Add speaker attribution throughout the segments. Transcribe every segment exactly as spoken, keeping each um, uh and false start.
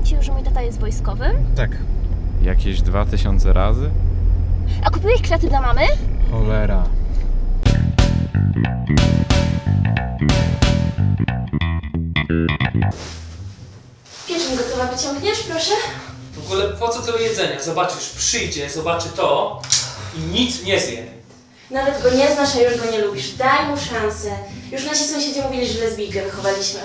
Speaker 1: ci już, że mój tata jest wojskowym?
Speaker 2: Tak. Jakieś dwa tysiące razy?
Speaker 1: A kupiłeś kwiaty dla mamy?
Speaker 2: Cholera.
Speaker 1: Pieczeń gotowa, wyciągniesz, proszę?
Speaker 3: W ogóle po co tyle jedzenia? Zobaczysz, przyjdzie, zobaczy to i nic nie zje.
Speaker 4: Nawet go nie znasz, a już go nie lubisz. Daj mu szansę. Już nasi sąsiedzi mówili, że lesbijkę wychowaliśmy.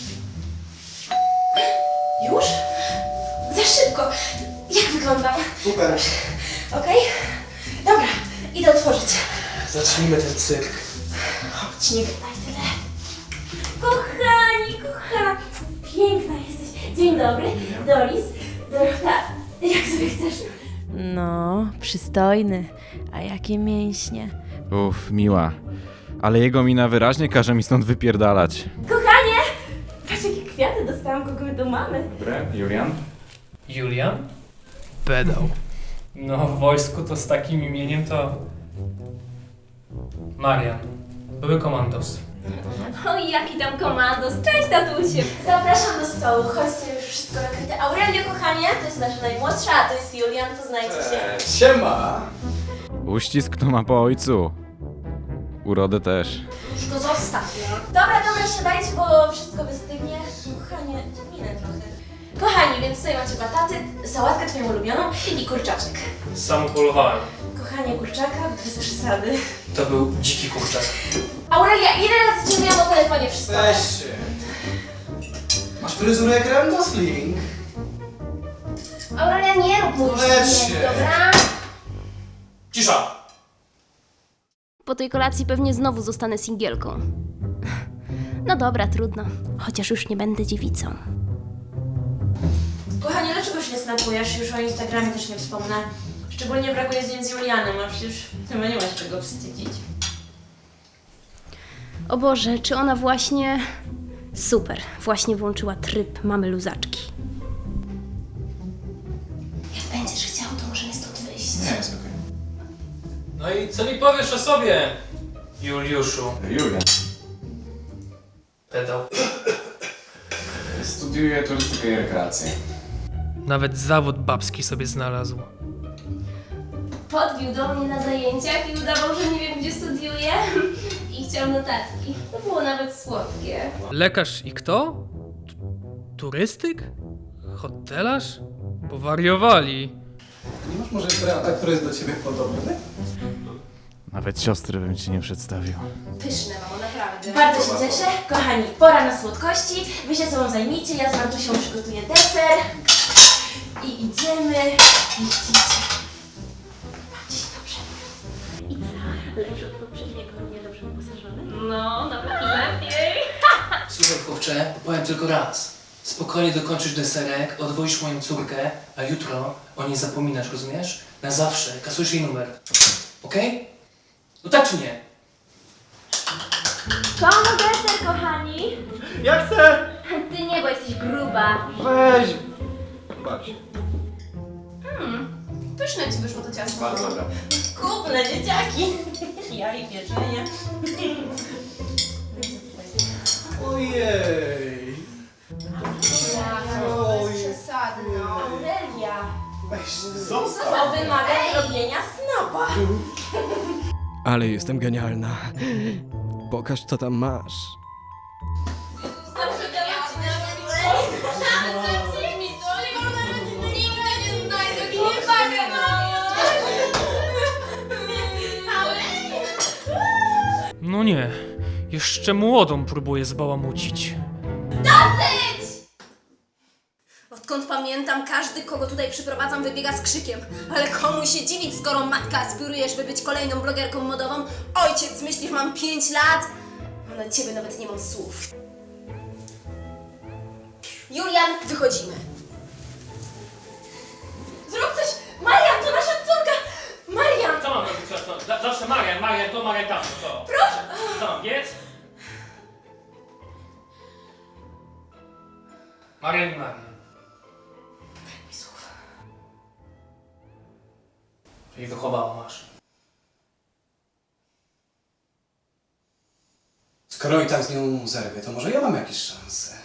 Speaker 4: Już? Za szybko. Jak wyglądam?
Speaker 5: Super.
Speaker 4: Okej? Dobra, idę otworzyć.
Speaker 3: Zacznijmy ten cyrk.
Speaker 4: Chodź, nie gadaj tyle. Kochani, kochani. Piękna jesteś. Dzień dobry. Doris. Dorota, jak sobie chcesz? No, przystojny. A jakie mięśnie.
Speaker 2: Uff, miła. Ale jego mina wyraźnie każe mi stąd wypierdalać.
Speaker 4: Kochanie! Patrz, jakie kwiaty dostałam, kogo my tu mamy.
Speaker 2: Dobre, Julian?
Speaker 3: Julian? Pedał. No, w wojsku to z takim imieniem to... Marian. Były komandos.
Speaker 1: Oj, jaki tam komandos. Cześć, tatusiu.
Speaker 4: Zapraszam do stołu, chodźcie, już wszystko nakryte. Aurelio, kochanie, to jest nasza najmłodsza, a to jest Julian, poznajcie się.
Speaker 5: Siema!
Speaker 2: Uścisk to ma po ojcu. Urodę też.
Speaker 4: Już go zostaw. Dobra, dobra, siadajcie, bo wszystko wystygnie. Kochanie, minę trochę. Kochani, więc tutaj macie bataty, sałatkę twoją ulubioną i kurczaczek.
Speaker 3: Sam upolowałem.
Speaker 4: Kochanie, kurczaka bez przesady.
Speaker 3: To był dziki kurczak.
Speaker 4: Aurelia, ile razy cię miałam o telefonie wszystko?
Speaker 5: Weź się. Masz fryzurę jak Ryan Gosling.
Speaker 1: Aurelia, nie rób mu już
Speaker 5: Lecz
Speaker 1: nie,
Speaker 5: się.
Speaker 1: dobra?
Speaker 3: Cisza!
Speaker 1: Po tej kolacji pewnie znowu zostanę singielką. No dobra, trudno. Chociaż już nie będę dziewicą.
Speaker 4: Kochanie, dlaczego się nie snapujesz? Już o Instagramie też nie wspomnę. Szczególnie brakuje zdjęć z Julianem, a przecież chyba nie masz czego wstydzić.
Speaker 1: O Boże, czy ona właśnie... Super, właśnie włączyła tryb mamy luzaczki.
Speaker 4: Jak będziesz chciał, to możemy stąd wyjść.
Speaker 5: Nie, jest okej.
Speaker 3: No i co mi powiesz o sobie, Juliuszu?
Speaker 2: Julian.
Speaker 3: Pedał.
Speaker 2: Studiuję turystykę i rekreację.
Speaker 3: Nawet zawód babski sobie znalazł.
Speaker 1: Podbił do mnie na zajęciach i udawał, że nie wiem, gdzie studiuje. I chciał notatki. To było nawet słodkie.
Speaker 3: Lekarz i kto? T- Turystyk? Hotelarz? Powariowali.
Speaker 5: Nie masz może brata, który jest do ciebie podobny?
Speaker 2: Nawet siostry bym ci nie przedstawił.
Speaker 1: Pyszne, mamo, naprawdę.
Speaker 4: Bardzo się cieszę. Kochani, pora na słodkości. Wy się sobą zajmijcie, ja z Martusią przygotuję deser. I idziemy. Widzicie. Bawcie się dobrze. I co? Lepszy od poprzedniego, nie dobrze wyposażony?
Speaker 1: No, nawet lepiej.
Speaker 6: Słuchaj, chłopcze, powiem tylko raz. Spokojnie dokończysz deserek, odwoisz moją córkę, a jutro o niej zapominasz, rozumiesz? Na zawsze, kasujesz jej numer. Okej? No tak czy nie?
Speaker 4: Komu deser, kochani?
Speaker 5: Ja chcę!
Speaker 1: Ty nie, bo jesteś gruba.
Speaker 5: Weź! Baw się.
Speaker 1: Pyszne ci wyszło to ciasto.
Speaker 5: Bardzo dobra.
Speaker 4: Kupne dzieciaki. Ja i pieczenie.
Speaker 5: Ojej! Oj.
Speaker 1: Przesadno.
Speaker 4: Aurelia,
Speaker 5: Weź, zostaw!
Speaker 4: to wymaga zrobienia snopa.
Speaker 7: Ale jestem genialna. Pokaż, co tam masz.
Speaker 3: No nie, jeszcze młodą próbuję zbałamucić.
Speaker 8: Odkąd pamiętam, każdy, kogo tutaj przyprowadzam, wybiega z krzykiem. Ale komu się dziwić, skoro matka aspiruje, żeby być kolejną blogerką modową? Ojciec myśli, że mam pięć lat? A na ciebie nawet nie mam słów. Julian, wychodzimy.
Speaker 4: Zrób coś! Marian, to nasza córka! Marian!
Speaker 3: Co mam robić? Co, co? Za- Zawsze Marian, Marian to, Marian tam, co?
Speaker 4: Proszę!
Speaker 3: Co mam, biec? Marian i Marian. I wychowała masz.
Speaker 5: Skoro i tak z nią zerwie, to może ja mam jakieś szanse.